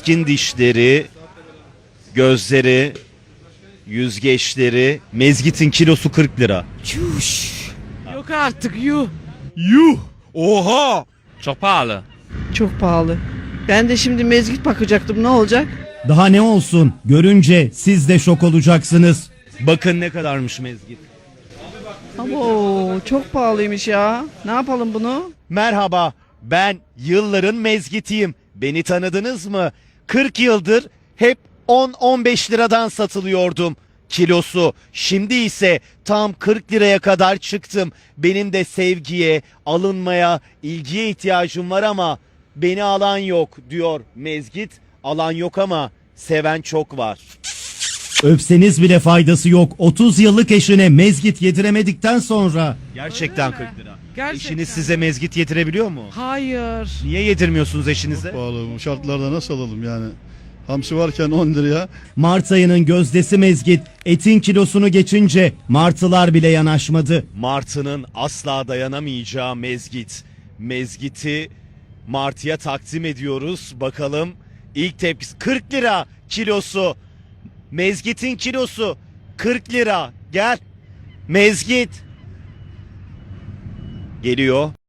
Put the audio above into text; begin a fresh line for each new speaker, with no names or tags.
keskin dişleri, gözleri, yüzgeçleri. Mezgit'in kilosu 40 lira.
Çüş. Yok artık yuh.
Yuh! Oha!
Çok pahalı.
Çok pahalı. Ben de şimdi mezgit bakacaktım, ne olacak?
Daha ne olsun? Görünce siz de şok olacaksınız.
Bakın ne kadarmış mezgit.
Abo çok pahalıymış ya. Ne yapalım bunu?
Merhaba, ben yılların mezgitiyim. Beni tanıdınız mı? 40 yıldır hep 10-15 liradan satılıyordum kilosu. Şimdi ise tam 40 liraya kadar çıktım. Benim de sevgiye, alınmaya, ilgiye ihtiyacım var ama beni alan yok diyor mezgit. Alan yok ama seven çok var.
Öpseniz bile faydası yok. 30 yıllık eşine mezgit yediremedikten sonra.
Gerçekten
Öyle mi?
40 lira.
Gerçekten.
Eşiniz size mezgit yedirebiliyor mu?
Hayır.
Niye yedirmiyorsunuz eşinize?
Pahalı bu şartlarda nasıl alalım yani? Hamsi varken 10 liraya.
Mart ayının gözdesi mezgit etin kilosunu geçince martılar bile yanaşmadı.
Martı'nın asla dayanamayacağı mezgit. Mezgiti Martı'ya takdim ediyoruz. Bakalım ilk tepkisi 40 lira kilosu. Mezgit'in kilosu 40 lira. Gel. Mezgit. Geliyor.